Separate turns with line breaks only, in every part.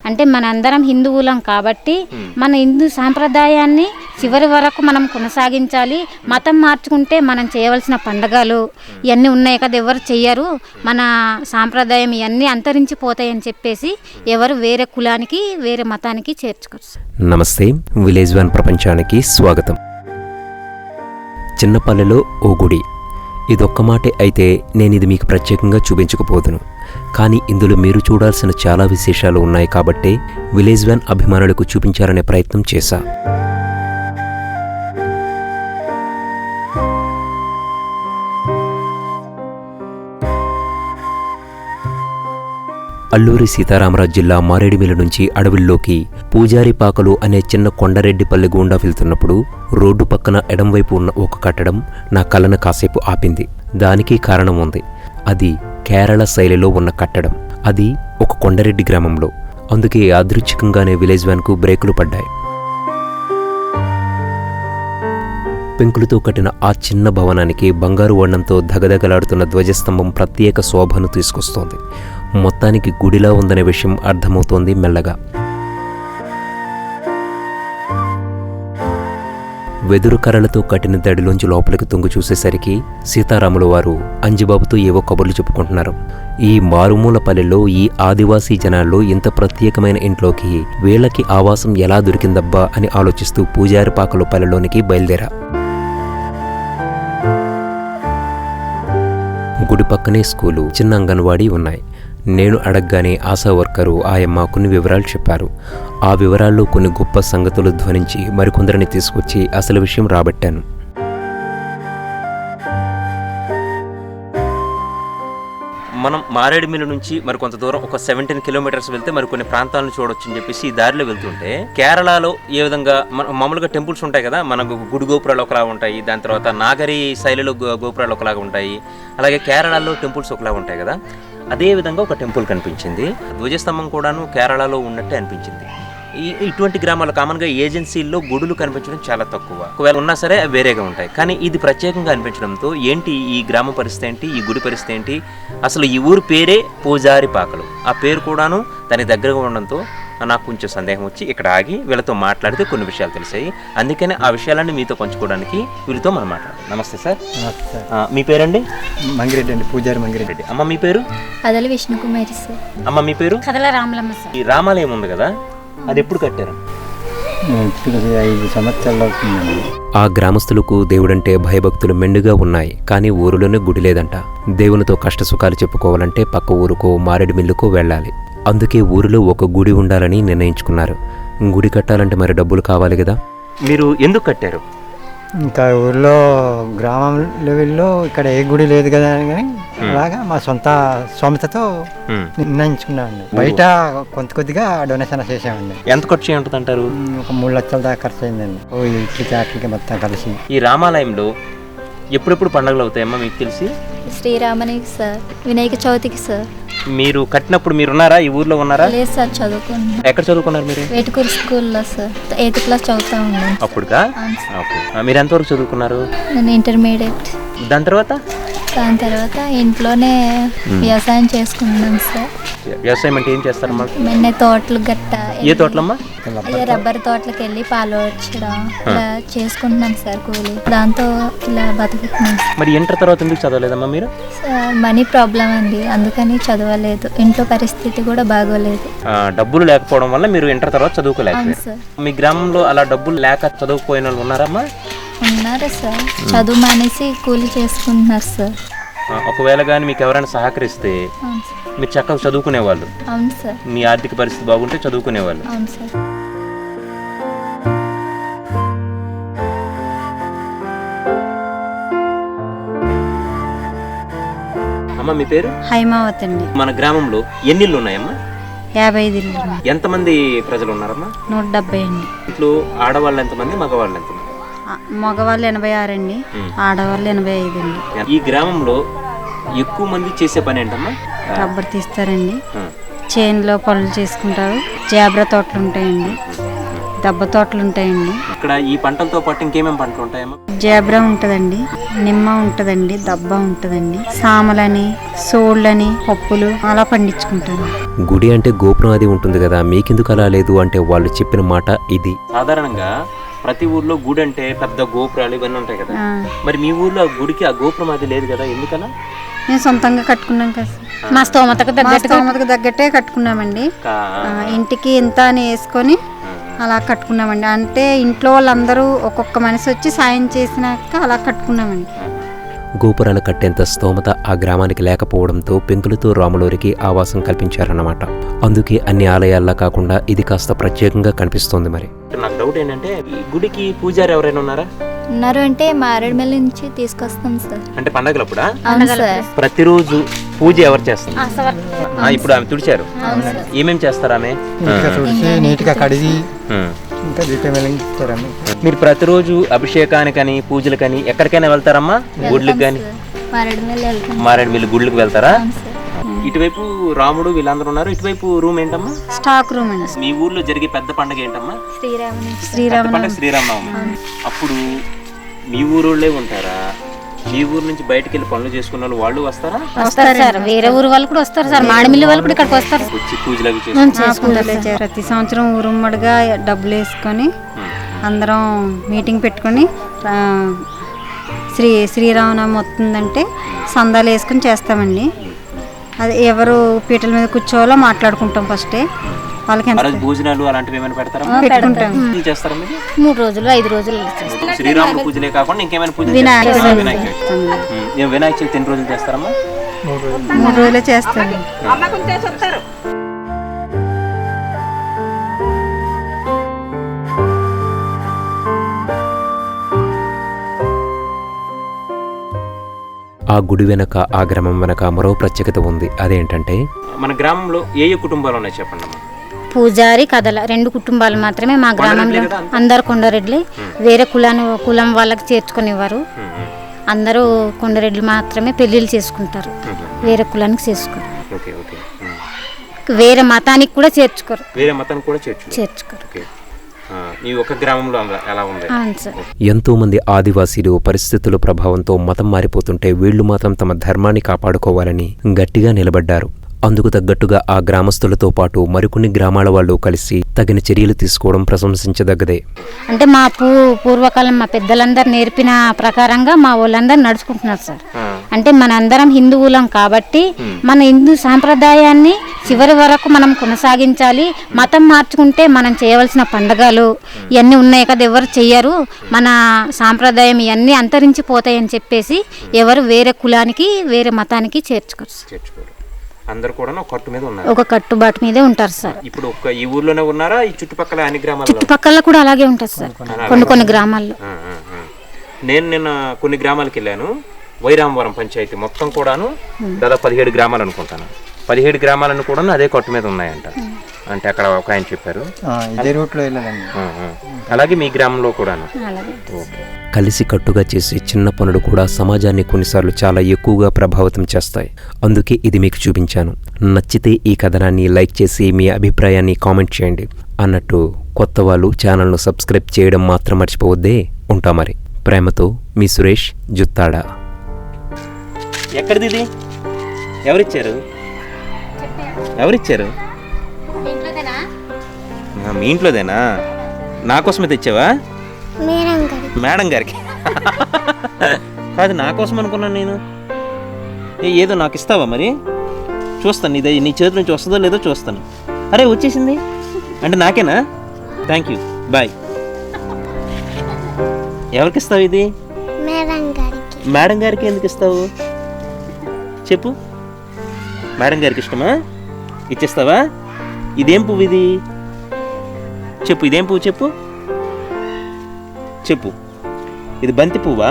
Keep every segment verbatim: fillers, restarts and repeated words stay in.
అంటే మనందరం హిందువులం కాబట్టి మన హిందూ సాంప్రదాయాన్ని చివరి వరకు మనం కొనసాగించాలి. మతం మార్చుకుంటే మనం చేయవలసిన పండగలు ఇవన్నీ ఉన్నాయి కదా, ఎవరు చెయ్యరు. మన సాంప్రదాయం ఇవన్నీ అంతరించిపోతాయని చెప్పేసి ఎవరు వేరే కులానికి వేరే మతానికి చేర్చుకోవచ్చు.
నమస్తే, విలేజ్ వన్ ప్రపంచానికి స్వాగతం. చిన్నపల్లెలో ఓ గుడి, ఇదొక్క మాటే అయితే నేను ఇది మీకు ప్రత్యేకంగా చూపించకపోదును. కానీ ఇందులో మీరు చూడాల్సిన చాలా విశేషాలు ఉన్నాయి కాబట్టే విలేజ్ వన్ అభిమానులకు చూపించాలనే ప్రయత్నం చేశా. అల్లూరి సీతారామరాజు జిల్లా మారేడుమిల్లి నుంచి అడవుల్లోకి పూజారిపాకలు అనే చిన్న కొండరెడ్డిపల్లి గుండా వెళ్తున్నప్పుడు రోడ్డు పక్కన ఎడంవైపు ఉన్న ఒక కట్టడం నా కళ్ళను కాసేపు ఆపింది. దానికి కారణం ఉంది. అది కేరళ శైలిలో ఉన్న కట్టడం. అది ఒక కొండరెడ్డి గ్రామంలో. అందుకే యాదృచ్ఛికంగానే విలేజ్ వ్యాన్కు బ్రేకులు పడ్డాయి. పెంకులతో కట్టిన ఆ చిన్న భవనానికి బంగారు వర్ణంతో ధగధగలాడుతున్న ధ్వజస్తంభం ప్రత్యేక శోభను తీసుకొస్తోంది. మొత్తానికి గుడిలా ఉందనే విషయం అర్థమవుతోంది మెల్లగా. వెదురు కర్రలతో కట్టిన దడిలోంచి లోపలికి తొంగి చూసేసరికి సీతారాముల వారు అంజిబాబుతో ఏవో కబుర్లు చెప్పుకుంటున్నారు. ఈ మారుమూల పల్లెల్లో ఈ ఆదివాసీ జనాల్లో ఇంత ప్రత్యేకమైన ఇంట్లోకి వీళ్ళకి ఆవాసం ఎలా దొరికిందబ్బా అని ఆలోచిస్తూ పూజారి పాకలు పల్లెలోనికి బయలుదేరా. గుడి పక్కనే స్కూలు, చిన్న అంగన్వాడీ ఉన్నాయి. నేను అడగగానే ఆశా వర్కరు ఆయమ్మ కొన్ని వివరాలు చెప్పారు. ఆ వివరాల్లో కొన్ని గొప్ప సంగతులు ధ్వనించి మరికొందరిని తీసుకొచ్చి అసలు విషయం రాబట్టాను.
మనం మారేడుమిల్లి నుంచి మరి కొంత దూరం ఒక సెవెంటీన్ కిలోమీటర్స్ వెళ్తే మరి కొన్ని ప్రాంతాలను చూడొచ్చు అని చెప్పేసి ఈ దారిలో వెళ్తుంటే కేరళలో ఏ విధంగా మన మామూలుగా టెంపుల్స్ ఉంటాయి కదా, మనకు గుడి గోపురాలు ఒకలా ఉంటాయి, దాని తర్వాత నాగరి శైలిలో గోపురాలు ఒకలాగా ఉంటాయి, అలాగే కేరళలో టెంపుల్స్ ఒకలా ఉంటాయి కదా, అదే విధంగా ఒక టెంపుల్ కనిపించింది. ధ్వజస్తంభం కూడాను కేరళలో ఉన్నట్టే అనిపించింది. ఈ ఇటువంటి గ్రామాలు కామన్గా ఏజెన్సీల్లో గుడులు కనిపించడం చాలా తక్కువ, ఒకవేళ ఉన్నా సరే వేరేగా ఉంటాయి. కానీ ఇది ప్రత్యేకంగా అనిపించడంతో ఏంటి ఈ గ్రామ పరిస్థితి ఏంటి, ఈ గుడి పరిస్థితి ఏంటి, అసలు ఈ ఊరు పేరే పూజారి పాకలు, ఆ పేరు కూడాను దానికి దగ్గరగా ఉండడంతో నాకు కొంచెం సందేహం వచ్చి ఇక్కడ ఆగి వీళ్ళతో మాట్లాడితే కొన్ని విషయాలు తెలిసాయి. అందుకనే ఆ విషయాలన్నీ మీతో పంచుకోవడానికి వీళ్ళతో మనం మాట్లాడాలి. నమస్తే సార్. మీ పేరండి?
మంగిరెడ్డి అండి, పూజారి మంగిరెడ్డి.
అమ్మ మీ పేరు?
అదలి విష్ణుకుమారి సార్.
అమ్మ మీ పేరు?
కదల రామలమ్మ సార్.
ఈ రామాలయం ఉంది కదా, అది ఎప్పుడు కట్టారు?
ఐదు సంవత్సరాలు అవుతుందండి.
ఆ గ్రామస్తులకు దేవుడంటే భయభక్తులు మెండుగా ఉన్నాయి. కానీ ఊరిలోనే గుడి లేదంట. దేవునితో కష్టసుఖాలు చెప్పుకోవాలంటే పక్క ఊరుకో మారేడుమిల్లుకో వెళ్ళాలి. అందుకే ఊరిలో ఒక గుడి ఉండాలని నిర్ణయించుకున్నారు. గుడి కట్టాలంటే మరి డబ్బులు కావాలి కదా.
మీరు ఎందుకు కట్టారు?
ఇంకా ఊర్లో గ్రామం లెవెల్లో ఇక్కడ ఏ గుడి లేదు కదా అని కానీ అలాగా మా సొంత సొంతతో నిర్ణయించుకున్నామండి. బయట కొంత కొద్దిగా డొనేషన్ చేసామండి.
ఎంత ఖర్చు ఉంటుంది అంటారు?
ఒక మూడు లక్షల దాకా ఖర్చు అయిందండి. ఓ ఇట్లకి అట్లకి మొత్తం కలిసి.
ఈ రామాలయంలో ఎప్పుడెప్పుడు పండుగలు అవుతాయమ్మా మీకు తెలిసి?
శ్రీరామనికి సార్, వినాయక చవితికి సార్.
మీరు కట్టినప్పుడు మీరు ఉన్నారా, ఈ ఊర్లో ఉన్నారా?
లేదు సార్, చదువుకున్నాను.
ఎక్కడ చదువుకున్నారు మీరు?
వేటుకూరు స్కూల్లో సార్, ఎయిత్ క్లాస్ చదువుతా ఉన్నాను.
అప్పుడుగా? ఓకే. మీరు ఎంతవరకు చదువుకున్నారు?
నేను ఇంటర్మీడియట్.
దాని తర్వాత?
దాని తర్వాత ఇంట్లోనే వ్యవసాయం చేసుకున్నాను సార్.
వ్యవసాయం అంటే ఏం చేస్తారమ్మా?
మెన్న తోటలు గట్ట.
ఏ తోటలమ్మా?
అదే రబ్బర్ తోటలకు వెళ్ళి పాలు వచ్చడం ఇలా చేసుకుంటున్నాను సార్ కూలి. దాంతో ఇలా బతుకుతున్నాను.
మరి ఇంటర్ తర్వాత ఎందుకు చదవలేదమ్మా మీరు?
సార్ మనీ ప్రాబ్లం అండి, అందుకని చదవలేదు. ఇంట్లో పరిస్థితి కూడా బాగోలేదు.
డబ్బులు లేకపోవడం వల్ల మీరు ఇంటర్ తర్వాత చదువుకోలేదు
సార్.
మీ గ్రామంలో అలా డబ్బులు లేక చదువుకుపోయిన వాళ్ళు ఉన్నారమ్మా?
ఉన్నారు సార్, చదువు మానేసి కూలి చేసుకుంటున్నారు సార్.
ఒకవేళ కానీ మీకు ఎవరైనా సహకరిస్తే మీరు చక్కగా చదువుకునేవాళ్ళు.
అవును సార్.
మీ ఆర్థిక పరిస్థితి బాగుంటే చదువుకునేవాళ్ళు.
అవును సార్.
అమ్మ మీ పేరు?
హైమావతి అండి.
మన గ్రామంలో ఎన్ని ఇళ్ళు ఉన్నాయమ్మా?
యాభై ఐదు ఇళ్ళు.
ఎంతమంది ప్రజలు ఉన్నారమ్మా?
నూట డెబ్బై అండి.
ఇంట్లో ఆడవాళ్ళు ఎంతమంది, మగవాళ్ళు ఎంతమంది?
మగవాళ్ళు ఎనభై ఆరు అండి, ఆడవాళ్ళు ఎనభై ఐదు అండి.
ఈ గ్రామంలో ఎక్కువ మంది చేసే పని ఏంటమ్మా?
రబ్బర్ తీస్తారండి, చేనులో పనులు చేసుకుంటారు, జాబ్రా తోటలు ఉంటాయండి,
దబ్బ తోటలు ఉంటాయండి.
ఇక్కడ ఈ పంటలతో పాటు ఇంకేమేమి పంటలు ఉంటాయమ్మా?
జాబ్రా ఉంటుందండి, నిమ్మ ఉంటుందండి, దబ్బ ఉంటుందండి, సామలని, సోళ్ళని, పప్పులు అలా పండించుకుంటాను.
గుడి అంటే గోపురం అది ఉంటుంది కదా, మీకెందుకు అలా లేదు అంటే వాళ్ళు చెప్పిన మాట ఇది.
సాధారణంగా ప్రతి ఊర్లో గుడి అంటే పెద్ద గోపురాలు ఇవన్నీ ఉంటాయి కదా, మరి మీ ఊర్లో ఆ గుడికి ఆ గోపురం అది లేదు కదా, ఎందుకన్నా?
మేము సొంతంగా కట్టుకున్నాం కదా,
మా స్తోమతకు
మా
తగ్గట్టుగా
స్తోమతకు తగ్గట్టే కట్టుకున్నామండి. ఆ, ఇంటికి ఇంత అని వేసుకొని అలా కట్టుకున్నామండి. అంటే ఇంట్లో వాళ్ళందరూ ఒక్కొక్క మనిషి వచ్చి సాయం చేసినాక అలా కట్టుకున్నామండి.
గోపురాలు కట్టేంత స్తోమత ఆ గ్రామానికి లేకపోవడంతో పెంకులతో రాములూరికి ఆవాసం కల్పించారన్నమాట. అందుకే అన్ని ఆలయాల్లా కాకుండా ఇది కాస్త ప్రత్యేకంగా కనిపిస్తోంది. మరి
నాకు డౌట్ ఏంటంటే ఈ గుడికి పూజారి ఎవరైనా ఉన్నారా?
ఉన్నారు అంటే మారేడుమిల్లి నుంచి తీసుకొస్తాం సార్.
అంటే పండగలప్పుడా?
అవును సార్.
ప్రతిరోజు పూజ ఎవరు చేస్తారు?
ఆశవర్కర్లు.
ఆ, ఇప్పుడు ఆమె తుడిచారు, ఏమేమి చేస్తారు ఆమె?
నీట్గా తుడిచి నీట్గా కడిగి
ఉమ్.
ఇంకా దీపం వెలిగిస్తారమ్మ.
మీరు ప్రతిరోజు అభిషేకానికని పూజలకని ఎక్కడికైనా వెళ్తారమ్మా? గుడ్లకు కానీ
మారేడుమిల్లి వెళ్తాం.
మారేడుమిల్లి గుళ్ళకి వెళ్తారా?
అవును సార్.
ఇటువైపు రాముడు వీళ్ళందరూ ఉన్నారు, ఇటువైపు రూమ్ ఏంటమ్మా?
స్టాక్ రూమ్ అండి.
మీ ఊర్లో జరిగే పెద్ద పండుగ ఏంటమ్మా?
శ్రీరాముని
పెద్ద
శ్రీరామ
పండుగ శ్రీరామనవమి. అప్పుడు మీ ఊరోళ్ళే ఉంటారా? మీ ఊరు నుంచి బయటకు వెళ్ళి పనులు చేసుకున్న వాళ్ళు వాళ్ళు వస్తారా?
వస్తారు సార్, వేరే ఊరు వాళ్ళు కూడా వస్తారు సార్, మాడిమిల్లి వాళ్ళు కూడా ఇక్కడికి వస్తారు.
వచ్చి పూజలు అవి
ఉం,
చేసుకుంటారు.
చేసుకుంటారు
పూజలే
సార్.
చే- ప్రతి సంవత్సరం ఊరుమ్మడిగా డబ్బులు వేసుకొని అందరం మీటింగ్ పెట్టుకొని ఆ, శ్రీ శ్రీరామనవమి వస్తుందంటే సందాలు వేసుకొని చేస్తామండి. అది ఎవరు పీటల మీద కూర్చోవాలో మాట్లాడుకుంటాం ఫస్టే. వాళ్ళకి
ఆ
ఎంత
రోజు భోజనాలు అలాంటివి ఏమైనా పెడతారా?
పెట్టుకుంటాం.
పూజలు చేస్తారా మీరు?
మూడు రోజులు ఐదు రోజులు చేస్తారు.
శ్రీరాముడు పూజలే కాకుండా ఇంకేమైనా పూజలు
వినాయక
చేస్తారా?
చవితి
వినాయక చవితి.
చేస్తాం.
ఉమ్. ఏం వినాయక చవితి ఎన్ని రోజులు చేస్తారమ్మా?
మూడు రోజులే చేస్తాం.
ఆ గుడి వెనక, ఆ గ్రామం వెనక మరో ప్రత్యేకత ఉంది. అదేంటంటే
మన గ్రామంలో ఏ ఏ కుటుంబాలు ఉన్నాయి చెప్పండి అమ్మా?
పూజారి కథల రెండు కుటుంబాలు మాత్రమే మా గ్రామంలో. అందరు కొండరెడ్లు, వేరే కులాన్ని కులం వాళ్ళకి చేర్చుకునేవారు. అందరూ కొండరెడ్లు మాత్రమే పెళ్ళిళ్ళు చేసుకుంటారు, వేరే కులానికి చేసుకోరు.
Okay okay um.
వేరే మతానికి కూడా చేర్చుకోరు
వేరే మతాన్ని కూడా చేర్చు.
చేర్చుకోరు
ఓకే. ఆ, మీ ఒక గ్రామంలో అలా- ఎలా ఉంది?
అవును సార్.
ఎంతో మంది ఆదివాసీలు పరిస్థితుల ప్రభావంతో మతం మారిపోతుంటే వీళ్లు మాత్రం తమ ధర్మాన్ని కాపాడుకోవాలని గట్టిగా నిలబడ్డారు. అందుకు తగ్గట్టుగా ఆ గ్రామస్తులతో పాటు మరికొన్ని గ్రామాల వాళ్ళు కలిసి తగిన చర్యలు తీసుకోవడం ప్రశంసించదగ్గదే.
అంటే మా పూ పూర్వకాలం మా పెద్దలందరూ నేర్పిన ప్రకారంగా మా వాళ్ళందరూ నడుచుకుంటున్నారు సార్. అంటే మనందరం హిందువులం కాబట్టి మన హిందూ సాంప్రదాయాన్ని చివరి వరకు మనం కొనసాగించాలి. మతం మార్చుకుంటే మనం చేయవలసిన పండగలు ఇవన్నీ ఉన్నాయి కదా, ఎవరు చెయ్యరు. మన సాంప్రదాయం ఇవన్నీ అంతరించిపోతాయని చెప్పేసి ఎవరు వేరే కులానికి వేరే మతానికి చేర్చుకోరు సార్.
చేర్చుకోరు. అందరు కూడా ఒక కట్టు మీద ఉన్నారు.
ఒక కట్టుబాటు మీదే ఉంటారు సార్.
ఇప్పుడు ఒక్క ఈ ఊర్లోనే ఉన్నారా? ఈ చుట్టుపక్కల అన్ని గ్రామాల్లో?
చుట్టుపక్కల కూడా అలాగే ఉంటుంది సార్, కొన్ని కొన్ని గ్రామాల్లో.
ఆ, ఆ, ఆ. నేను నిన్న కొన్ని గ్రామాలకు వెళ్ళాను. వైరామవరం పంచాయతీ మొత్తం కూడాను దాదాపు పదిహేడు గ్రామాలు అనుకుంటాను. పదిహేడు గ్రామాలను కూడా అదే కట్టు మీద ఉన్నాయంట. అంటే అక్కడ ఒక ఆయన చెప్పారు.
ఆ, ఇదే రూట్లో వెళ్ళాలండి.
ఆ, ఆ. అలాగే మీ గ్రామంలో కూడాను.
అలాగే
ఓకే.
కలిసి కట్టుగా చేసే చిన్న పనులు కూడా సమాజాన్ని కొన్నిసార్లు చాలా ఎక్కువగా ప్రభావితం చేస్తాయి. అందుకే ఇది మీకు చూపించాను. నచ్చితే ఈ కథనాన్ని లైక్ చేసి మీ అభిప్రాయాన్ని కామెంట్ చేయండి. అన్నట్టు కొత్త వాళ్ళు ఛానల్ను సబ్స్క్రైబ్ చేయడం మాత్రం మర్చిపోవద్దే. ఉంటా మరి. ప్రేమతో మీ సురేష్ జుత్తాడ.
ఎక్కడిది ఇది? ఎవరిచ్చారు? ఎవరిచ్చారు? ఆ, మీ ఇంట్లోదేనా? నా కోసమే తెచ్చావా? మేడం గారికి కాదు, నా కోసం అనుకున్నాను నేను. ఏ ఏదో నాకు ఇస్తావా మరి? చూస్తాను, ఇదే నీ చేతి నుంచి వస్తుందో లేదో చూస్తాను. అరే వచ్చేసింది అంటే నాకేనా? Thank you, bye. ఎవరికి ఇస్తావు ఇది? మేడం గారికి ఎందుకు ఇస్తావు చెప్పు. మేడం గారికి ఇష్టమా? ఇచ్చేస్తావా? ఇదేం పువ్వు ఇది చెప్పు. ఇదేం పువ్వు చెప్పు చెప్పు. ఇది బంతి పువ్వా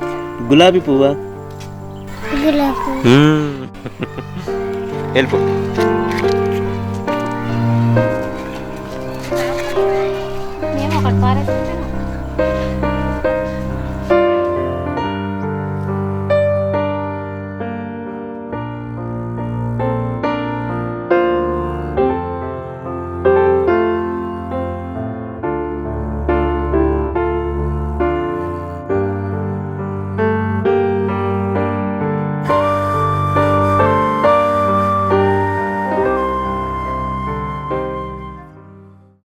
గులాబీ పువ్వా? మ్మ్. వెళ్ళిపో.